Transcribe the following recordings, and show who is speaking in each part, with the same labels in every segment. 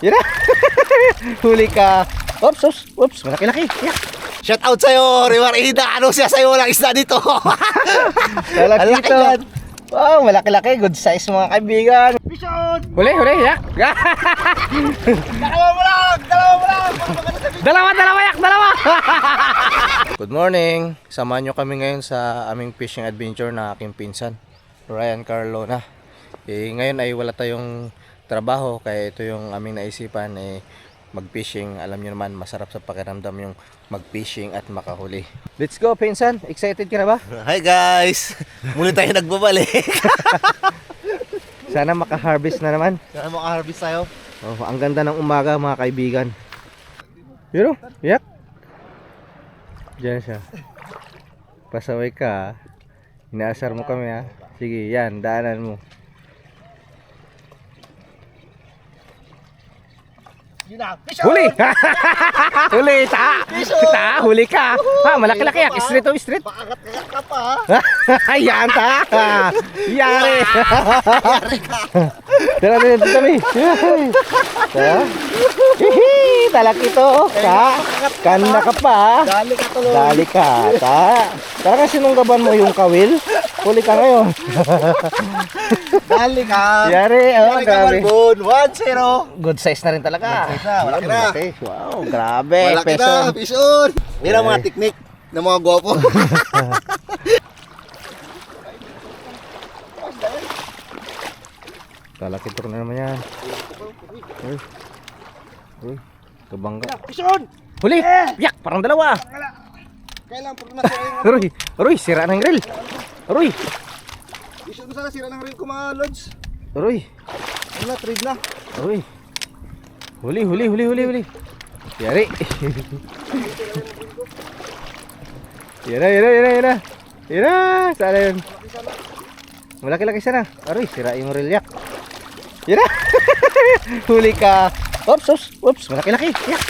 Speaker 1: Yan na. Huli ka. Oops, oops, oops. Malaki-laki. Yeah.
Speaker 2: Shout out sa'yo, Rimarida. Ano siya sa'yo? Walang isda dito.
Speaker 1: Malaki ito. Wow, malaki-laki. Good size mga kaibigan.
Speaker 2: Mission!
Speaker 1: Huli, huli. Yak.
Speaker 2: Dalawa mo lang! Dalawa mo lang!
Speaker 1: Dalawa, yak. Dalawa. Good morning. Samahan nyo kami ngayon sa aming fishing adventure na aking pinsan, Ryan Carlona. Ngayon ay wala tayong trabaho, kaya ito yung aming naisipan, mag-fishing. Alam nyo naman, masarap sa pakiramdam yung mag-fishing at makahuli. Let's go, pinsan. Excited ka na ba?
Speaker 2: Hi guys! Muli tayo nagbabalik.
Speaker 1: Sana maka-harvest na naman.
Speaker 2: Sana maka-harvest tayo.
Speaker 1: Oh, ang ganda ng umaga mga kaibigan. Yun o, yak. Diyan siya. Pasaway ka. Inaasar mo kami ha. Sige, yan, daanan mo. Huli! Huli! Huli ka! Ha, malaki-laki yak. Straight o straight.
Speaker 2: Pakagat-kagat ka pa ha.
Speaker 1: Yan ta! Yari! Tara dito kami. Talak ito. Kanda ka pa.
Speaker 2: Dali ka tuloy.
Speaker 1: Dali ka. Tara kasi sinunggaban mo yung kawil. Huli ka ngayon.
Speaker 2: Dali ka.
Speaker 1: Yari. Oh,
Speaker 2: Dali ka,
Speaker 1: grabe.
Speaker 2: Malbon. 1-0.
Speaker 1: Good size na rin talaga.
Speaker 2: Good size na, malaki na.
Speaker 1: Wow, grabe.
Speaker 2: Malaki na, Pison. Yan ang mga teknik ng mga gwapo.
Speaker 1: Talak ito na naman yan. Uy, kabangga.
Speaker 2: Pison!
Speaker 1: Huli! Yak! Parang dalawa!
Speaker 2: Kailan po na sira yung...
Speaker 1: Aroy! Sira ng grill! Aroy!
Speaker 2: Pison mo sana sira ng reel ko mga lods.
Speaker 1: Aroy!
Speaker 2: Ano na, trade na.
Speaker 1: Aroy! Huli! Yari! Yara! Sana yun? Malaki-laki sana. Aroy! Sira yung grill, yak! Yara! Huli ka! Oops! Malaki-laki! Yak!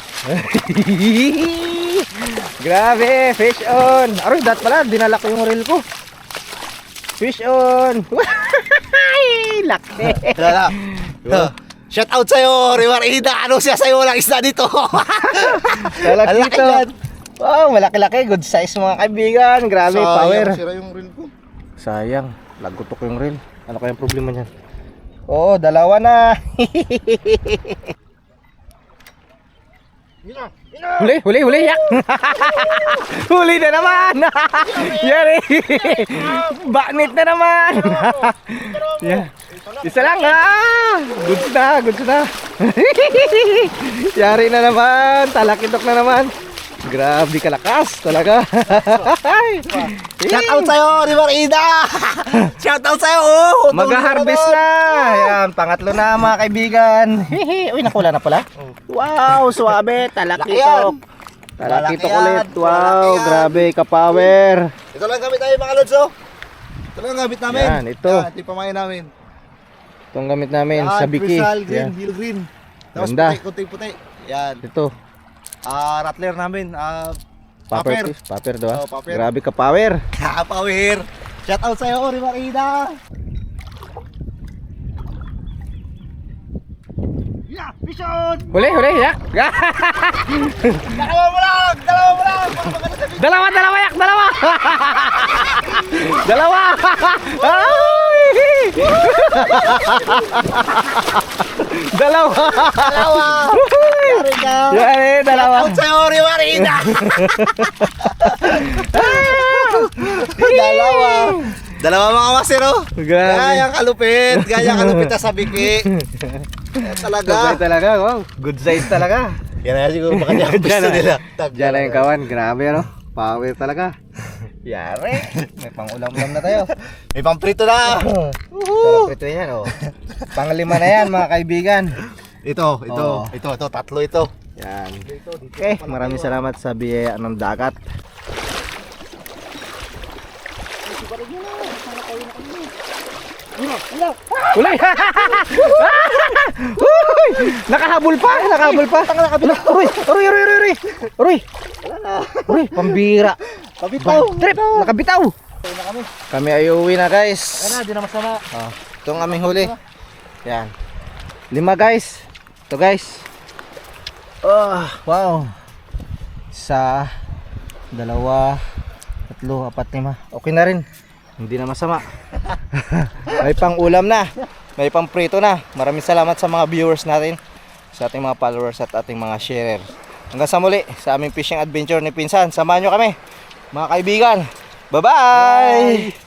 Speaker 1: Grabe! Fish on! Aroy! Dat pala! Dinala ko yung reel ko! Fish on! Laki!
Speaker 2: Dala. Shout out sa'yo, Rimarida. Ano siya sa'yo? Walang isda dito.
Speaker 1: Talak
Speaker 2: Malaki
Speaker 1: dito!
Speaker 2: yan.
Speaker 1: Wow! Malaki-laki! Good size mga kaibigan! Grabe! Power!
Speaker 2: Sira yung reel ko.
Speaker 1: Sayang! Lagutok yung reel. Ano kayang problema niyan? Oo! Dalawa na! Huli! Yak! Huli na naman! Yari! Baknit na naman! Yeah. Isa lang ha! Goods na! Yari na naman! Talakitok na naman! Grabe kalakas talaga!
Speaker 2: Shout out sa'yo, Rimarida. Shout out sa'yo.
Speaker 1: Mag-harvest na! Ayan, pangatlo na mga kaibigan. Uy, nakula na pala. Wow, suwabe, talakitok. Talakitok ulit. Wow, grabe, ka-power.
Speaker 2: Ito lang gamit namin mga lods, oh. Ito lang gamit namin.
Speaker 1: Yan, ito.
Speaker 2: Ito yung pamain namin.
Speaker 1: Itong gamit namin sa biki.
Speaker 2: Crystal green,
Speaker 1: Yan.
Speaker 2: hill green. Tapos
Speaker 1: Ganda.
Speaker 2: puti. Yan.
Speaker 1: Ito,
Speaker 2: Rattler namin.
Speaker 1: paper fish. Paper daw.
Speaker 2: Oh, paper.
Speaker 1: Grabe ka-power.
Speaker 2: Power. Shout out sa'yo, Rimarida. Yeah, Pison!
Speaker 1: Huli, yak.
Speaker 2: Dalawa mo lang!
Speaker 1: Dalawa, yak. Dalawa. Ay! Dalawa.
Speaker 2: Yari ka.
Speaker 1: Yari, dalawa.
Speaker 2: Shout out sa'yo, Rimarida. Dalawa mga master, oh.
Speaker 1: Grabe.
Speaker 2: Gayang kalupit na sa biki. Talaga.
Speaker 1: Sabay talaga, wow. Good size talaga.
Speaker 2: Yan na siguro baka niya ang gusto nila.
Speaker 1: Diyan na yung kawan. Grabe, ano? Power talaga. Yari. May pang-ulam-ulam na tayo.
Speaker 2: May pamprito na.
Speaker 1: Sarap ito yan, oh. Panglima na yan, mga kaibigan.
Speaker 2: Ito,
Speaker 1: Oo.
Speaker 2: tatlo ito.
Speaker 1: Yan. Okay, maraming salamat sa biyaya ng dagat. Ulay! Nakahabol pa! Uy, pambira!
Speaker 2: Pabitaw!
Speaker 1: Trip! Nakabitaw! Kami ay uwi na, guys.
Speaker 2: Di na masama.
Speaker 1: Itong aming huli. Yan. 5 guys. Ito guys. Oh, wow. 1, 2, 3, 4, 5. Okay na rin. Hindi na masama. May pang ulam na. May pang prito na. Maraming salamat sa mga viewers natin, sa ating mga followers at ating mga sharer. Hanggang sa muli sa aming fishing adventure ni Pinsan. Samahan nyo kami mga kaibigan. Bye-bye!